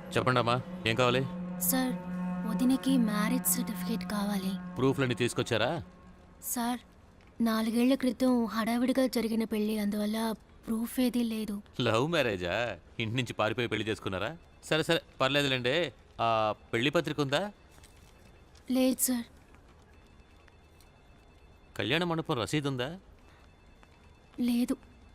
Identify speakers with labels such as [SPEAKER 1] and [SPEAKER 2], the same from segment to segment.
[SPEAKER 1] చెప్పండి అమ్మా, ఏం కావాలి?
[SPEAKER 2] సార్, వదినకి మ్యారేజ్ సర్టిఫికేట్ కావాలి.
[SPEAKER 1] ప్రూఫ్లన్నీ తీసుకొచ్చారా?
[SPEAKER 2] సార్, 4 ఏళ్ల క్రితం హడావిడిగా జరిగిన పెళ్లి, అందువల్ల ప్రూఫ్ ఏదీ లేదు.
[SPEAKER 1] లవ్ మ్యారేజా? ఇంటి నుంచి పారిపోయి పెళ్లి చేసుకున్నారా? సరే సరే, పర్లేదులేండి. ఆ పెళ్లి పత్రిక ఉందా?
[SPEAKER 2] లేదు సార్.
[SPEAKER 1] కళ్యాణ మండపం రసీదు ఉందా?
[SPEAKER 2] లేదు.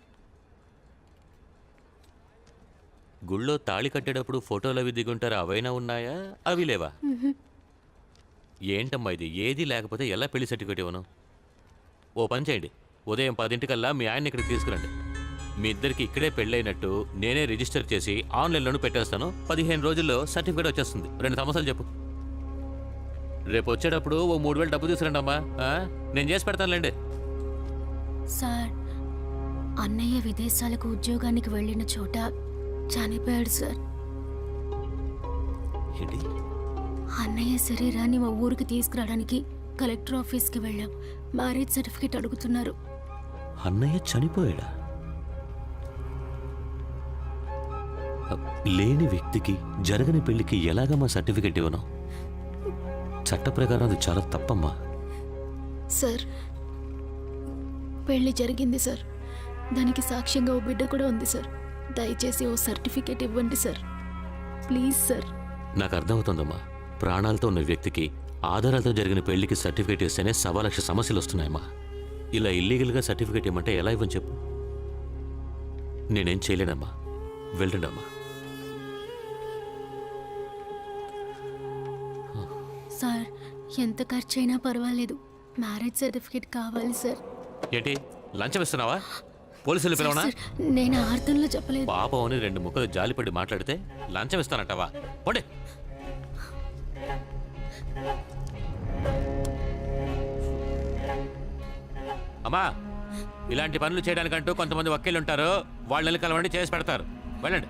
[SPEAKER 1] గుళ్ళో తాళి కట్టేటప్పుడు ఫోటోలు అవి దిగుంటారా, అవైనా ఉన్నాయా? అవి లేవా? ఏంటమ్మా ఇది, ఏది లేకపోతే ఎలా పెళ్లి సర్టిఫికేట్ ఇవ్వను? ఓ పని చేయండి, ఉదయం 10 మీ ఆయన్ని ఇక్కడికి తీసుకురండి. మీ ఇద్దరికి ఇక్కడే పెళ్ళైనట్టు నేనే రిజిస్టర్ చేసి ఆన్లైన్లోనూ పెట్టేస్తాను. 15 రోజుల్లో సర్టిఫికేట్ వచ్చేస్తుంది. 2 సమస్యలు చెప్పు. రేపు వచ్చేటప్పుడు ఓ 3000 డబ్బు తీసుకురండి అమ్మా. నేను చేసి పెడతానులేండి.
[SPEAKER 2] సార్, అన్నయ్య విదేశాలకు ఉద్యోగానికి వెళ్ళిన చోట చనిపోయాడు సార్.
[SPEAKER 1] ఏంటి?
[SPEAKER 2] అన్నయ్య శరీరాన్ని మా ఊరికి తీసుకురావడానికి కలెక్టర్ ఆఫీస్కి వెళ్ళాం. మ్యారేజ్ సర్టిఫికేట్ అడుగుతున్నారు.
[SPEAKER 1] అన్నయ్య చనిపోయాడా? లేని వ్యక్తికి జరగని పెళ్లికి ఎలాగమ్మా సర్టిఫికెట్ ఇవ్వను? చట్ట ప్రకారం అది చాలా తప్పమ్మా.
[SPEAKER 2] సార్, పెళ్లి జరిగింది సార్. దానికి సాక్ష్యంగా ఓ బిడ్డ కూడా ఉంది సార్. దయచేసి ఓ సర్టిఫికేట్ ఇవ్వండి సార్, ప్లీజ్ సార్.
[SPEAKER 1] నాకు అర్థమవుతుందమ్మా, ప్రాణాలతో ఉన్న వ్యక్తికి ఆధారాలతో జరిగిన పెళ్లికి సర్టిఫికేట్ ఇస్తేనే 1,00,000 సమస్యలు వస్తున్నాయమ్మా. ఇలా ఇల్లీగల్గా సర్టిఫికేట్ ఇవ్వమంటే ఎలా ఇవ్వని చెప్పు? నేనేం చేయలేనమ్మా, వెళ్ళండి అమ్మా.
[SPEAKER 2] సార్, ఎంత ఖర్చైనా పర్వాలేదు, మ్యారేజ్ సర్టిఫికేట్ కావాలి సార్.
[SPEAKER 1] ఏంటి, లంచం ఇస్తున్నావా? పోలీసులు పిలవనా?
[SPEAKER 2] సార్, నేను ఆ అర్థంలో చెప్పలేదు.
[SPEAKER 1] పాపం అని 2 ముక్కలు జాలిపడి మాట్లాడితే లంచం ఇస్తానంటావా? పోండి. అమ్మా, ఇలాంటి పనులు చేయడానికంటూ కొంతమంది వకీలు ఉంటారు. వాళ్ళని కలవండి, చేసి పెడతారు. వెళ్ళండి.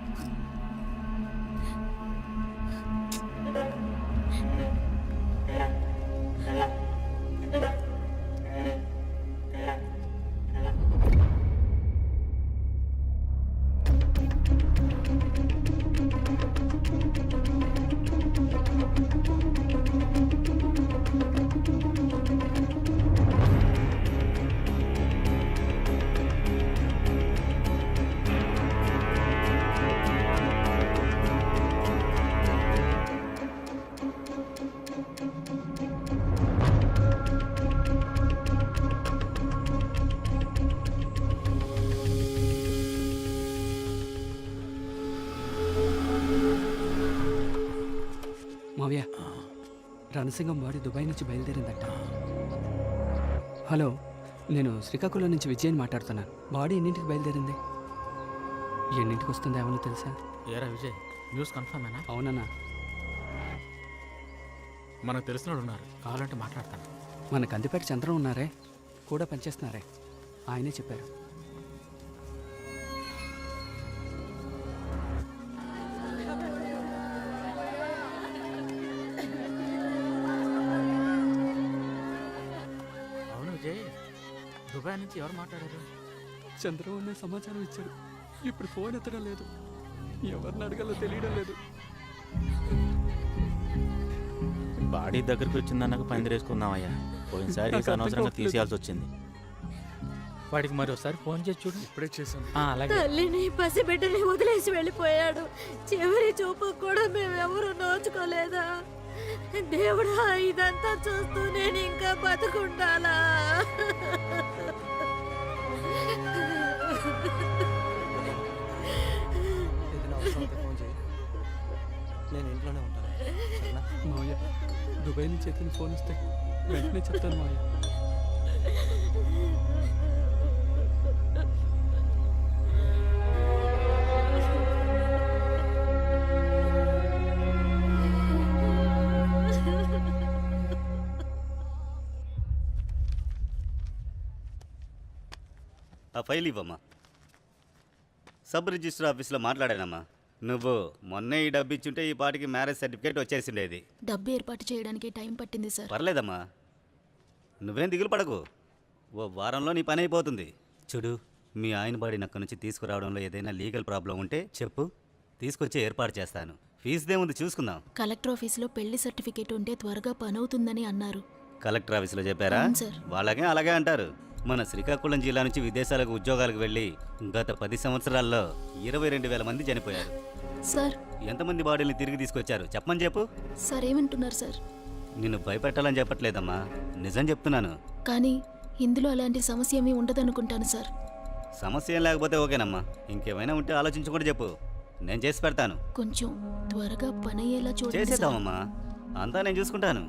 [SPEAKER 3] మావయ్య, రణసింగం బాడీ దుబాయ్ నుంచి బయలుదేరిందట. హలో, నేను శ్రీకాకుళం నుంచి విజయని మాట్లాడుతున్నాను. బాడీ ఎన్నింటికి బయలుదేరింది? ఎన్నింటికి వస్తుందో ఏమన్నా తెలుసా?
[SPEAKER 4] ఏరా విజయ్, న్యూస్ కన్ఫర్మేనా?
[SPEAKER 3] అవునన్నా.
[SPEAKER 4] మనకు తెలిసిన ఉన్నారు, కావాలంటే మాట్లాడతాను.
[SPEAKER 3] మన కందిపేట చంద్రం ఉన్నారే, కూడా పనిచేస్తున్నారే, ఆయనే చెప్పారు.
[SPEAKER 4] అవును విజయ్, దుబాయ్ నుంచి ఎవరు మాట్లాడారు?
[SPEAKER 3] చంద్రం అనే సమాచారం ఇచ్చాడు. ఇప్పుడు ఫోన్ ఎత్తడం లేదు, ఎవరిని అడగాలో తెలియడం లేదు.
[SPEAKER 5] బాడీ దగ్గరికి వచ్చిందన్నాక పందిరేసుకుందామయ్యా. పోయినసారి అనవసరంగా తీసేయాల్సి వచ్చింది.
[SPEAKER 4] వాడికి మరి ఒకసారి ఫోన్ చేసి చూడు. ఇప్పుడే చేశాను. అలాగే.
[SPEAKER 6] తల్లిని పసిబిడ్డని వదిలేసి వెళ్ళిపోయాడు. చివరి చూపు కూడా మేమెవరూ నోచుకోలేదా? దేవుడా, ఇదంతా చూస్తూ నేను ఇంకా బతుకుండాలా?
[SPEAKER 3] నేను ఇంట్లోనే ఉంటాను. మావయ్య, దుబాయ్ నుంచి ఎత్తిన ఫోన్ వస్తే వెంటనే చెప్తాను మావయ్య.
[SPEAKER 7] ఆ ఫైల్ ఇవ్వమ్మా. సబ్ రిజిస్టర్ ఆఫీస్లో మాట్లాడానమ్మా. నువ్వు మొన్నే ఈ డబ్బు ఇచ్చుంటే ఈ పాటికి మ్యారేజ్ సర్టిఫికేట్ వచ్చేసిండేది.
[SPEAKER 2] డబ్బు ఏర్పాటు చేయడానికి టైం పట్టింది సార్.
[SPEAKER 7] పర్లేదమ్మా, నువ్వేం దిగులు పడకు, ఓ వారంలో నీ పని అయిపోతుంది. చూడు, మీ ఆయన బాడీని అక్కడి నుంచి తీసుకురావడంలో ఏదైనా లీగల్ ప్రాబ్లం ఉంటే చెప్పు, తీసుకొచ్చి ఏర్పాటు చేస్తాను. ఫీజుదేముంది చూసుకుందాం.
[SPEAKER 2] కలెక్టర్ ఆఫీస్లో పెళ్లి సర్టిఫికేట్ ఉంటే త్వరగా పనవుతుందని అన్నారు.
[SPEAKER 7] కలెక్టర్ ఆఫీసులో చెప్పారా?
[SPEAKER 2] అవును సార్.
[SPEAKER 7] వాళ్ళకే అలాగే అంటారు. మన శ్రీకాకుళం జిల్లా నుంచి విదేశాలకు ఉద్యోగాలకు వెళ్ళి గత 10 సంవత్సరాల్లో 22,000 మంది చనిపోయారు.
[SPEAKER 2] సార్
[SPEAKER 7] ఎంతమంది బాడీని తిరిగి తీసుకొచ్చారు చెప్పమని చెప్పు.
[SPEAKER 2] సార్ ఏమంటున్నారు సార్?
[SPEAKER 7] నిన్ను భయపెట్టాలని చెప్పట్లేదమ్మా, నిజం చెప్తున్నాను.
[SPEAKER 2] కానీ ఇందులో అలాంటి సమస్య ఏమీ ఉండదనుకుంటాను సార్.
[SPEAKER 7] సమస్య ఏం లేకపోతే ఓకేనమ్మా. ఇంకేమైనా ఉంటే ఆలోచించుకుంటే చెప్పు, నేను చేసి పెడతాను.
[SPEAKER 2] కొంచెం త్వరగా పని అయ్యేలా చూడండి సార్.
[SPEAKER 7] చేసేద్దామమ్మా, అంతా నేను చూసుకుంటాను.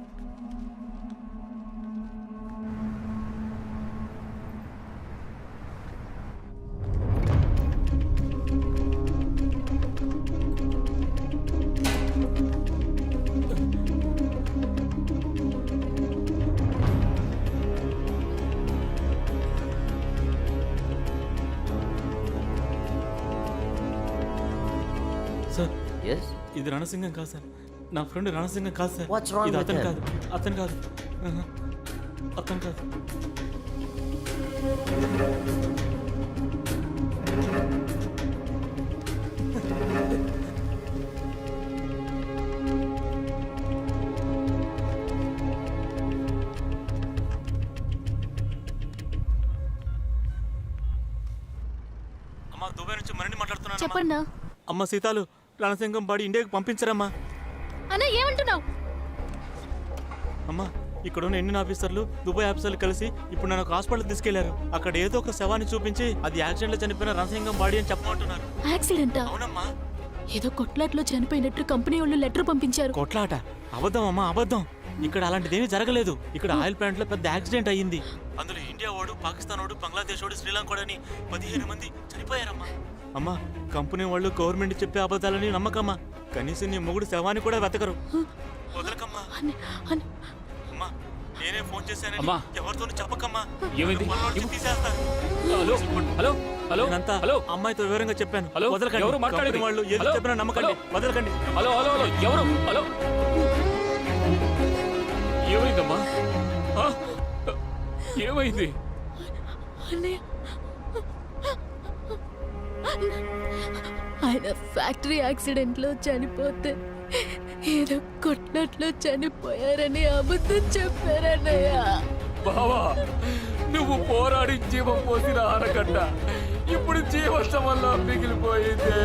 [SPEAKER 5] సార్
[SPEAKER 8] ఎస్
[SPEAKER 5] ఇది రణసింగం కాదు సార్, నా ఫ్రెండ్ రణసింగం కాదు సార్.
[SPEAKER 8] What's wrong
[SPEAKER 5] ఇది
[SPEAKER 8] with
[SPEAKER 5] అతను
[SPEAKER 8] him?
[SPEAKER 5] కాదు, అతను కాదు, ఆహా, అతను కాదు. అమ్మా దుబాయ్ నుంచి మరిన్ని మాట్లాడుతున్నాను.
[SPEAKER 2] చెప్పండి
[SPEAKER 5] అమ్మ సీతాలు, రణసింగం బాడీ ఇండియాకి పంపించరమ్మా.
[SPEAKER 2] అన్న. ఏమంటున్నావు?
[SPEAKER 5] అమ్మా ఇక్కడ ఉన్న ఇండియన్ ఆఫీసర్లు దుబాయ్ ఆఫీసర్లు కలిసి ఇప్పుడు నన్ను ఒక హాస్పిటల్ తీసుకెళ్లారు. అక్కడ ఏదో ఒక శవాన్ని చూపించి అది యాక్సిడెంట్ లో చనిపోయిన రణసింగం బాడీ అని చెప్పమంటున్నారు.
[SPEAKER 2] యాక్సిడెంటా?
[SPEAKER 5] అవునమ్మా.
[SPEAKER 2] ఏదో కొట్లాట్లో చనిపోయినట్టు కంపెనీ వాళ్ళు లెటర్ పంపించారు.
[SPEAKER 5] కొట్లాట? అబద్ధం అమ్మా, అబద్ధం. ఇక్కడ అలాంటిదేమీ జరగలేదు. ఇక్కడ ఆయిల్ ప్లాంట్ లో పెద్ద యాక్సిడెంట్ అయ్యింది. అందులో ఇండియా వాడు, పాకిస్తాన్ వాడు, బంగ్లాదేశ్ వాడు, శ్రీలంక వాడని 15 మంది చనిపోయారమ్మా. అమ్మా కంపెనీ వాళ్ళు గవర్నమెంట్ చెప్పే అబద్ధాలని నమ్మకమ్మా. కనీసం నీ మొగుడు శవాన్ని కూడా వెతకరు. వదలకమ్మా. అమ్మా నేనే ఫోన్ చేశాను,
[SPEAKER 1] అమ్మా.
[SPEAKER 5] ఎవరితోనూ చెప్పకమ్మా.
[SPEAKER 1] ఏమైంది?
[SPEAKER 5] మనోళ్ళు వచ్చి తీసేస్తారు.
[SPEAKER 1] హలో హలో హలో
[SPEAKER 5] నేనంతా
[SPEAKER 1] హలో
[SPEAKER 5] అమ్మాయితో వివరంగా చెప్పాను.
[SPEAKER 1] హలో,
[SPEAKER 5] వదలకండి.
[SPEAKER 1] ఎవరు మాట్లాడేది?
[SPEAKER 5] కంపెనీ వాళ్ళు ఏది
[SPEAKER 1] హలో,
[SPEAKER 5] చెప్పినా నమ్మకండి.
[SPEAKER 1] హలో.
[SPEAKER 5] వదలకండి.
[SPEAKER 1] హలో హలో హలో ఎవరు? హలో ఏమైందమ్మా? ఆ? ఏమైంది?
[SPEAKER 2] అన్నయ్య, ఆయన ఫ్యాక్టరీ యాక్సిడెంట్లో చనిపోతే ఏదో కొట్లాట్లో చనిపోయారని అబద్ధం చెప్పారన్నయ్య.
[SPEAKER 1] బావా నువ్వు పోరాడి జీవం పోసిన ఆనకట్ట ఇప్పుడు జీవసం వల్ల మిగిలిపోయింది.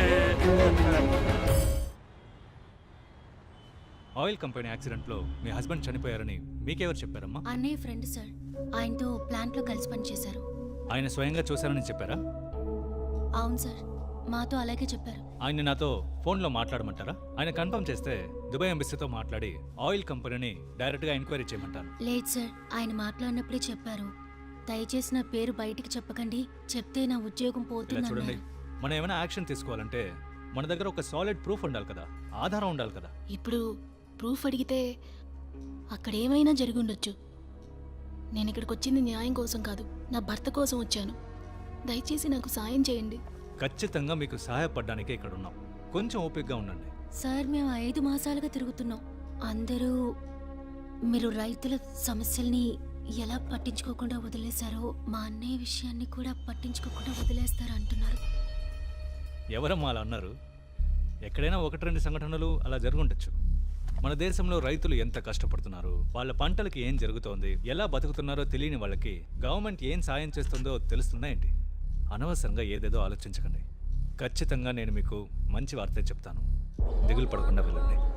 [SPEAKER 9] ఆయిల్ కంపెనీ యాక్సిడెంట్లో మీ హస్బెండ్ చనిపోయారని మీకెవరు చెప్పారమ్మా?
[SPEAKER 6] అన్నయ్య ఫ్రెండ్ సార్, ఆయనతో ప్లాంట్లో కలిసి పనిచేశారు.
[SPEAKER 9] ఆయన స్వయంగా చూశారని చెప్పారా?
[SPEAKER 6] అవును సార్, మాతో అలాగే చెప్పారు.
[SPEAKER 9] ఆయన నాతో ఫోన్లో మాట్లాడమంటారా? ఆయన కన్ఫర్మ్ చేస్తే దుబాయ్ ఎంబసీతో మాట్లాడి ఆయిల్ కంపెనీని డైరెక్ట్గా ఎంక్వైరీ చేయమంటారు.
[SPEAKER 6] లేదు సార్, ఆయన మాట్లాడినప్పుడే చెప్పారు. దయచేసి నా పేరు బయటికి చెప్పకండి, చెప్తే నా ఉద్యోగం
[SPEAKER 9] ఇలా
[SPEAKER 6] పోతుంది
[SPEAKER 9] చూడండి,
[SPEAKER 6] అన్నారు.
[SPEAKER 9] మనం ఏమైనా యాక్షన్ తీసుకోవాలంటే మన దగ్గర ఒక సాలిడ్ ప్రూఫ్ ఉండాలి కదా, ఆధారం ఉండాలి కదా.
[SPEAKER 2] ఇప్పుడు ప్రూఫ్ అడిగితే అక్కడ ఏమైనా జరిగి ఉండొచ్చు. నేను ఇక్కడికి వచ్చింది న్యాయం కోసం కాదు, నా భర్త కోసం వచ్చాను. దయచేసి నాకు సాయం చేయండి.
[SPEAKER 9] ఖచ్చితంగా మీకు సహాయపడడానికే ఇక్కడ ఉన్నాం. కొంచెం ఓపికగా ఉండండి.
[SPEAKER 6] సార్ మేము 5 మాసాలుగా తిరుగుతున్నాం. అందరూ మీరు రైతుల సమస్యల్ని ఎలా పట్టించుకోకుండా వదిలేశారో మా అన్నయ్య విషయాన్ని కూడా పట్టించుకోకుండా వదిలేస్తారు అంటున్నారు.
[SPEAKER 9] ఎవరమ్మా అలా అన్నారు? ఎక్కడైనా 1-2 సంఘటనలు అలా జరుగుండొచ్చు. మన దేశంలో రైతులు ఎంత కష్టపడుతున్నారు, వాళ్ళ పంటలకి ఏం జరుగుతోంది, ఎలా బతుకుతున్నారో తెలియని వాళ్ళకి గవర్నమెంట్ ఏం సాయం చేస్తుందో తెలుస్తుందా ఏంటి? అనవసరంగా ఏదేదో ఆలోచించకండి. ఖచ్చితంగా నేను మీకు మంచి వార్తే చెప్తాను. దిగులు పడకుండా వెళ్ళండి.